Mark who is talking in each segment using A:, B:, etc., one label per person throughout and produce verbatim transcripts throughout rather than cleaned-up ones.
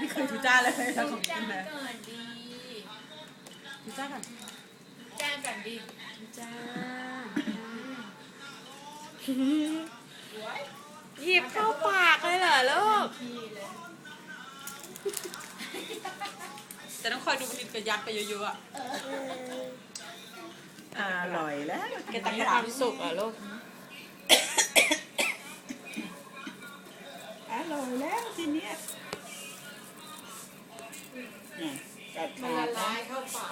A: ไม่เคยทูจ้าเลยแล้วของ
B: จ้า
A: กินเลย
B: ก่อนดี
A: ทูจ้าก่อน
B: จ้าก่อนดี
A: ทูจ้า
C: หยิบเข้าปากเลยเหรอลูก
A: แต่ต้องคอยดูมันกระยักไปเยอะๆอ่ะ
D: อร่อยแล้ว
A: แกตัก
C: มี
A: กระ
C: ค
A: ดาษ
C: วามสุขเหรอลูก
D: อร่อยแล้วทีเนี้ยเนี่ยกัด
B: มัน
D: ขา
B: ละ
D: ด
B: ลายเข้าปาก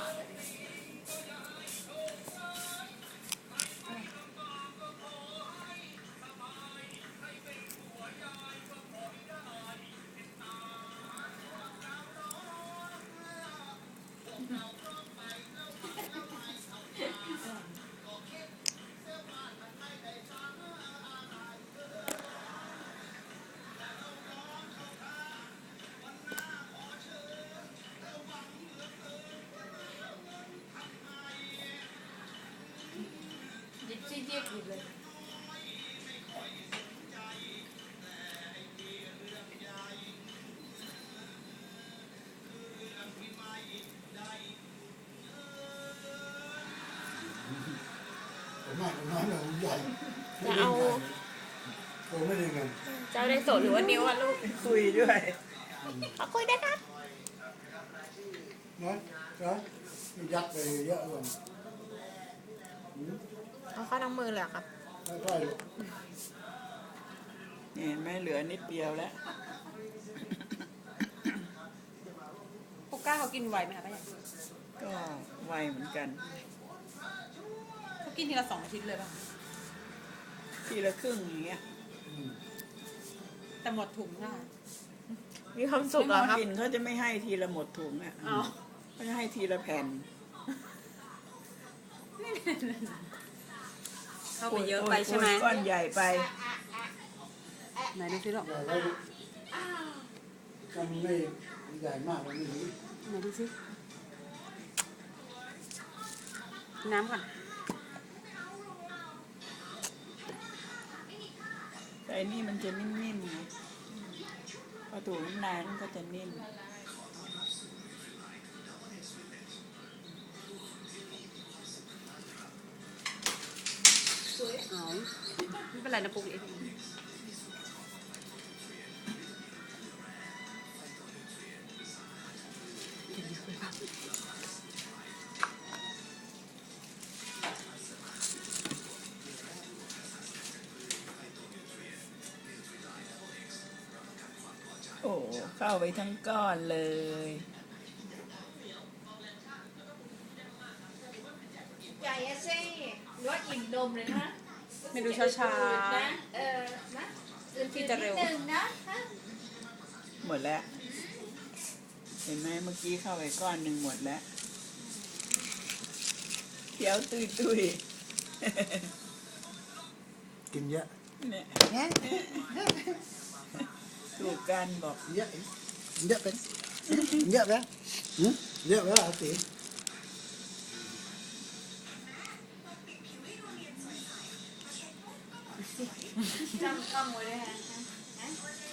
B: ยิบซี่เทียบอยู่เลย
E: ผมมากผมน้อยผมใหญ่
C: จะเอา
E: ผมไม่ได้เงิน
C: เจ้าได้โสดหรือว่านิ้วอะลูก
D: คุยด้วย
C: ขอคุยได้ครับ
E: น้อยน้อยยัดไปเยอะเลย
C: เอาเข้าทั้งมือเลยเหรอครับ
E: ใช่
D: นี่เห็นไหม่เหลือนิดเดียวแล้ว
A: ปุกก้าเขากินไวไหมคะป้าใหญ่
D: ก็ไวเหมือนกัน
A: เขากินทีละสองชิ้นเลยป่ะ
D: ทีละครึ่งอย่างเงี้ย
A: แต่หมดถุงน่ะ
C: มีความสุขเหรอครับ
D: กินเขาจะไม่ให้ทีละหมดถุงอ่ะ
A: เอา
D: เขาจะให้ทีละแผ่น
A: เข้าไปเยอะไปใช่ไหม
D: ก้อนใหญ่ไป
A: ไหนดูสิลูก
E: ใหญ่แล้วก็ไม่ใหญ่มากมันไม่ดี
A: ไหนดูสิน้ำก่อน
D: แต่อันนี่มันจะนิ่มๆไงพอถูน้ำลายมันก็จะนิ่ม
A: เอาไม่เป็นไรนะปุ๊กเอง
D: โอ้เข้าไปทั้งก้อนเลย
B: ใหญ่อะสิหรือว่าอิ่มนมเลยนะ
A: ไม่ดูช้า
B: ๆนะเออนะอื่นๆนิดนึงนะฮะ
D: หมดแล้ว เห็นไหมเมื่อกี้เข้าไปก้อนหนึ่งหมดแล้วเคี้ยวตุยตุย
E: กินเยอะ
D: ๆเนี่ยถูกกันบอก
E: เยอะเยอะเป็นเยอะไหมเยอะไหมอาตี
B: จำคำไว้ด้วยฮะฮะ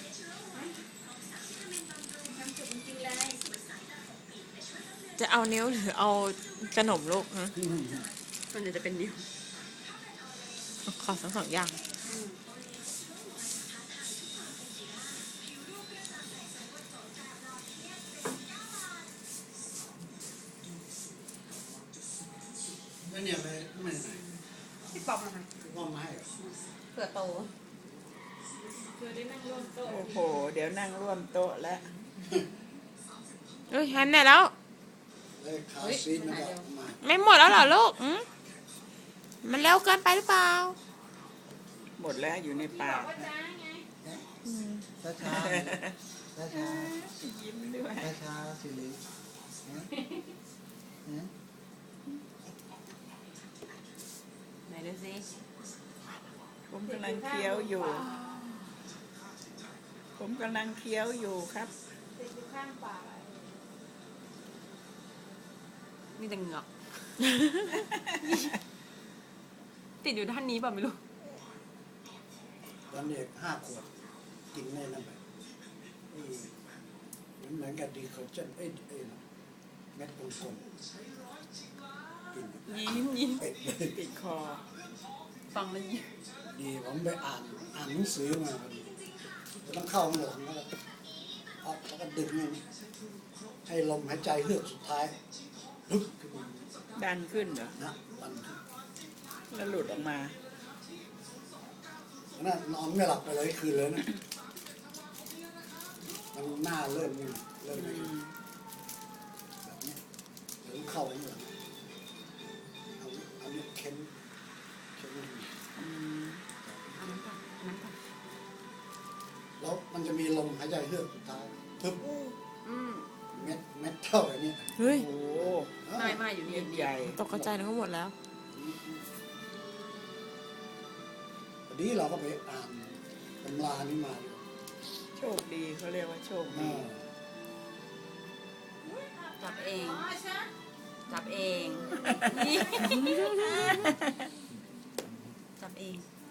B: ทำสุดจริงๆเลย
C: จะเอานิ้วหรือเอาขนมลูกฮะ
A: ๆส่วนใหญ่จะเป็นนิ้ว
C: ขอทั้งสองอย่าง
E: แล้วเนี่ยไปไม่ไหน
A: พี่ป๊อปนะคะ
E: ว่ามาให้
A: เผื่อโต
B: เธอได้นั่งร่วมโต๊ะ
D: โอ้โห เดี๋ยวนั่งร่วมโต๊ะแล้ว
C: เอ้ยแฮนได้แล้ว
E: เลยขาซีนมันก็มา
C: ไม่หมดแล้วเหรอลูกอืมมันเร็วเกินไปหรือเปล่า
D: หมดแล้วอยู่ในปาก
B: ว่าจ้าไง
E: ช้าช้าช้าช้า
D: ยิ้มด้วย
E: ช้าช้าสิริ
A: ไหนดูสิ
D: ผมกำลังเคี้ยวอยู่ ผมกำลังเคี้ยวอยู่ครับ
B: ติดอยู่ข้างปาก
A: มีแต่เหงือก ติดอยู่ด้านนี้เปล่าไม่รู้
E: ตอนเด็กห้าขวบกินแน่นั่นไปมันเหมือนกับดีคอเจนเอ้ยเอ้ยเม็ดกลมๆกิน
A: ยิ้มยิ้ม
E: เป็ดเลย
D: ติดคอ
A: ฟังแล้วยิ้ม
E: ดีผมไปอ่านอ่านหนังสือมาพอดีจะต้องเข้าหลงแล้วก็เอาแล้วก็ดึงนี่ให้ลมหายใจเฮือกสุดท้ายฮึบขึ้นมา
D: ดันขึ้นเหรอ
E: นะมันขึ้น
D: แล้วหลุดออกมา
E: นั่นนอนไม่หลับไปเลยคืนเลยนะมันหน้าเริ่มนี่เริ่มนี่แบบนี้เดี๋ยวเข้าไปเลยเอาเอาเนี่ยเค้นเค้น
D: อืม
A: อันนั้นก่อนอันนั้นก่อน
E: แล้วมันจะมีลมหายใจเฮือกสุดท้ายทึบ
A: อืม
E: เม็ดเม็ดเท่าไอ้นี่
C: เฮ้ย
D: โอ้
A: ไม่ไม่อยู่นี่
D: เม็ดใหญ่
C: ตกกระจายนึกว่าหมดแล้ว
E: วันนี้เราก็ไปอ่านตำรานี้มาอยู่
D: โชคดีเขาเรียกว่าโชคดี
E: อ่า
A: จับเอง
B: อ๋อใช่
A: จับเองนี่จับเอง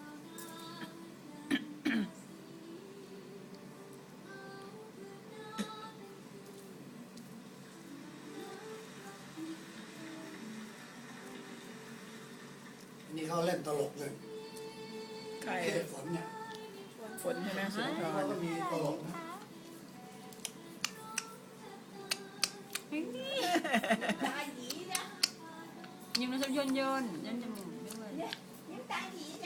E: อันนี้เขาเล่นตลกเลย
D: ใคร
E: เทพฝนเนี่ย
D: ฝนใช่ไหมสุนท
E: เขา
D: ร
E: ก็มีตลกนะ
B: ตาหยีนะ
A: ยิ้มแล้วชอบย่นย่นย่นจมูกด้วย
B: เนี่ยยิ้มตาหยีนะ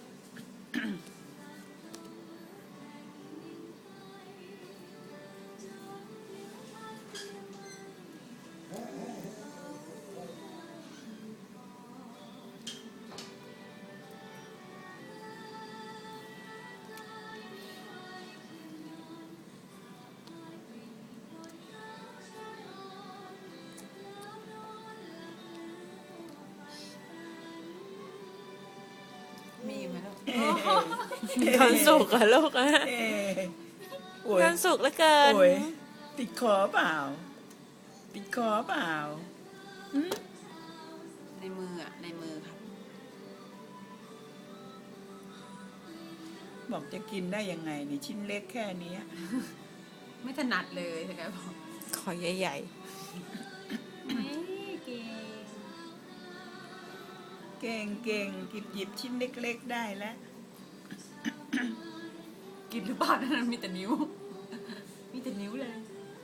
A: มีไหมลูก
C: ความสุขอะลูกอะ
D: เอ๊ะโอ้ย
C: ความสุขเหลือเกิน
D: โอ้ยติดคอเปล่า ติดคอเปล่าหืม
A: ในมืออ่ะในมือครับ
D: บอกจะกินได้ยังไงนี่ชิ้นเล็กแค่เนี้ย
A: ไม่ถนัดเลยใช่ไหมบอก
C: ขอใหญ่
A: ไม่เก่ง
D: เก่งเก่งกิบหยิบชิ้นเล็กๆได้แล้ว
A: กินหรือเปล่านั่นมีแต่นิ้ว มีแต่นิ้วเลย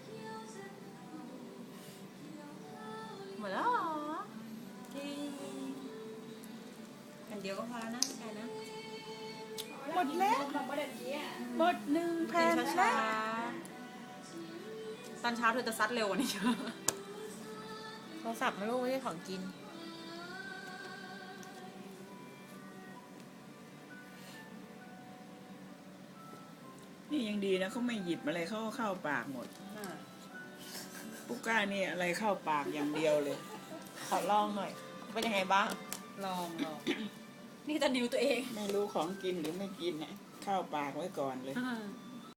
A: หมดแล้วเหรอเก่งอันเดียวก็พอแล้วนะใช่นะ
D: หมดแล้ว
B: มาประเด็นนี้
D: หมดหนึ่งแผ่
A: กิน
D: น
A: ช้า
D: แล้ว
A: ๆตอนเช้าเธอจะซัดเร็วกว่านี้เยอะ
C: ๆโทรศัพท์มาลูกไม่ใช่ของกิน
D: นี่ยังดีนะเขาไม่หยิบอะไรเขาก็เข้าปากหมด
A: น่ะ
D: ปุก้านี่อะไรเข้าปากอย่างเดียวเลย
C: ขอลองหน่อย เป็นยังไงบ้าง
A: ลองลองนี่แต่นิ้วตัวเอง
D: ไม่รู้ของกินหรือไม่กินนะเข้าปากไว้ก่อนเลย
A: อ่า